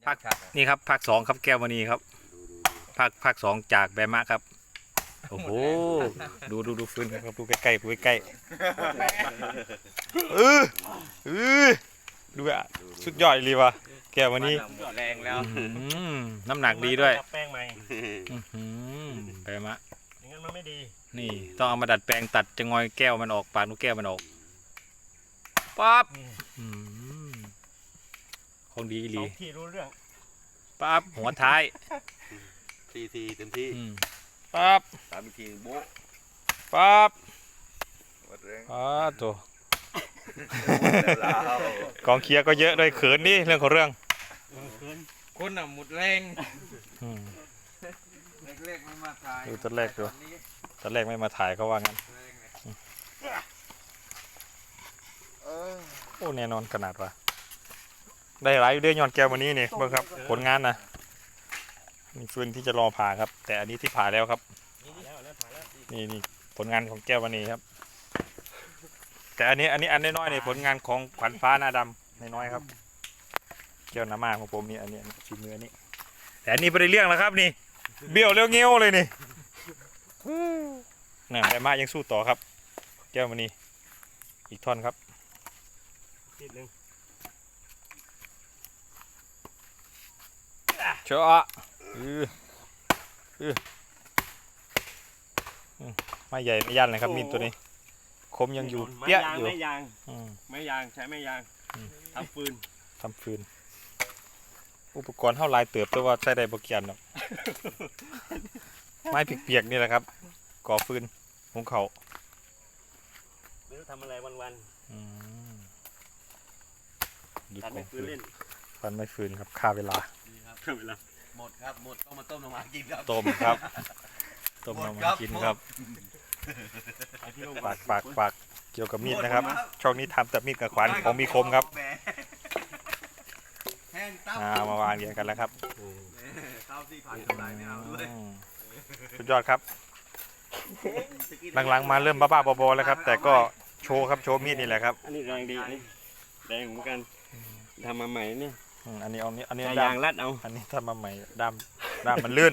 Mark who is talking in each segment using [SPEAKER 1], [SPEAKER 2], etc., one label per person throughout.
[SPEAKER 1] ภาคนี่ครับภาค2ครับแก้วมณีครับภาค2จากแบมะครับโอ้โหดูฟืนครับดูใกล้ๆดูใกล้ๆเออดูอ่ะสุดยอดเลยว่ะแก้วมณี
[SPEAKER 2] แรงแล้ว
[SPEAKER 1] น้ำหนักดีด้วย
[SPEAKER 3] แป้งใหม่
[SPEAKER 1] แบมะ
[SPEAKER 3] อย่างนั้นมันไม่ดี
[SPEAKER 1] นี่ต้องเอามาดัดแปลงตัดจะงอยแก้วมันออกปากนกแก้วมันออกปั๊บของดี
[SPEAKER 3] ส
[SPEAKER 1] ดี
[SPEAKER 3] องที่รู้เรื่อง
[SPEAKER 1] ปั๊บหัวท้าย
[SPEAKER 2] ทีเต็มที่
[SPEAKER 1] ปั๊บ
[SPEAKER 2] ตามอีกทีโบ๊ะ
[SPEAKER 1] ปั๊บ
[SPEAKER 2] วัดแรง
[SPEAKER 1] ตัว
[SPEAKER 2] แล้ว
[SPEAKER 1] กองเคียร์ก็เยอะด้วยเขินนี่เรื่องของเรื่อง
[SPEAKER 2] คนอ่ะหมดแรง
[SPEAKER 1] อืม
[SPEAKER 2] เล็กๆไม่มาถ่าย
[SPEAKER 1] ดูตัวแรกดูตอนแรกไม่มาถ่ายเขาว่างั้นโอ้แน่นอนขนาดว่าได้หลายอยู่เดือนย้อนแก้ววันนี้นี่เบิ่งครับผลงานนะนี่ฟืนที่จะรอผ่าครับ แต่อันนี้ที่ผ่าแล้วครับ นี่ผลงานของแก้ววันนี้ครับ แต่อันนี้อันน้อยๆนี่ผลงานของขวัญฟ้าหน้าดำน้อยๆครับแก้วน้ำมาของผมนี่อันนี้ชิ้นเนื้อนี่แต่อันนี้ไม่ได้เรื่องแล้วครับนี่เบี้ยวเลี้ยวเงี้ยวเลยนี่น่ะแต่มายังสู้ต่อครับ แก้ววันนี้อีกท่อนครับ
[SPEAKER 3] นิดนึง
[SPEAKER 1] เชาะไม่ใหญ่ไม่ยันเลยครับมีดตัวนี้คมยังอยู่เปี้ยอยู่
[SPEAKER 3] ไม่ยาง
[SPEAKER 1] อืม
[SPEAKER 3] ไม่ยางใช้ไม่ยาง
[SPEAKER 1] อืม
[SPEAKER 3] ทำฟืน
[SPEAKER 1] ทำฟืนอุปกรณ์เท่าลายเติบแต่ว่าใช้ได้บ่เกียนหรอกไม้เปียกๆนี่แหละครับก่อฟืนหุงเขาว
[SPEAKER 3] ไม่รู้ทำอะไรวัน
[SPEAKER 1] อืมดู
[SPEAKER 3] ๆตัด
[SPEAKER 1] ก
[SPEAKER 3] ไม่
[SPEAKER 1] อง
[SPEAKER 3] ฟื
[SPEAKER 1] ฟื
[SPEAKER 3] น
[SPEAKER 1] น
[SPEAKER 3] เล่น
[SPEAKER 1] ฟันไม่ฟืนครับค่าเวลา
[SPEAKER 3] เพิ่มเวลา
[SPEAKER 2] หมดครับหมดต้องมาต้มน้ำมันกินครับ
[SPEAKER 1] ต้มครับต้มมามากินครับ
[SPEAKER 3] ไอ้ที่ลง
[SPEAKER 1] ฝากเกี่ยวกับมีดนะครับ ช่องนี้ทำแต่มีดกับขวานของมีคมครับ
[SPEAKER 2] แห้งตั้ม
[SPEAKER 1] มาวางเรียงกันแล้วครับ
[SPEAKER 2] เต้าที่ผ่านกำไรไม่เอาด้วย
[SPEAKER 1] สุดยอดครับหลังๆมาเริ่มบ้าๆบอๆแล้วครับ แต่ก็โชว์ครับโชว์มีดนี่แหละครับ
[SPEAKER 3] อันนี้แรงดีอันนี้แรงเหมือนกันทำมาใหม่เนี่ย
[SPEAKER 1] อันนี้
[SPEAKER 3] ใช้
[SPEAKER 1] ด้าย
[SPEAKER 3] าม งรัดเอา
[SPEAKER 1] อันนี้ทำมาใหม่ด้ามมันลื่น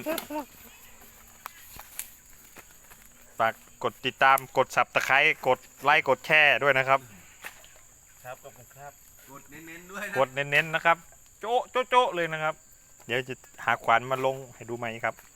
[SPEAKER 1] ฝากกดติดตามกดสับตะไคร้กดไลค์กดแชร์ด้วยนะครับ
[SPEAKER 3] ครับขอบคุณครับ
[SPEAKER 2] กดเน้นๆด้วยนะ
[SPEAKER 1] กดเน้นๆนะครับ โจ๊ะเลยนะครับ เดี๋ยวจะหาขวานมาลงให้ดูใหม่ครับ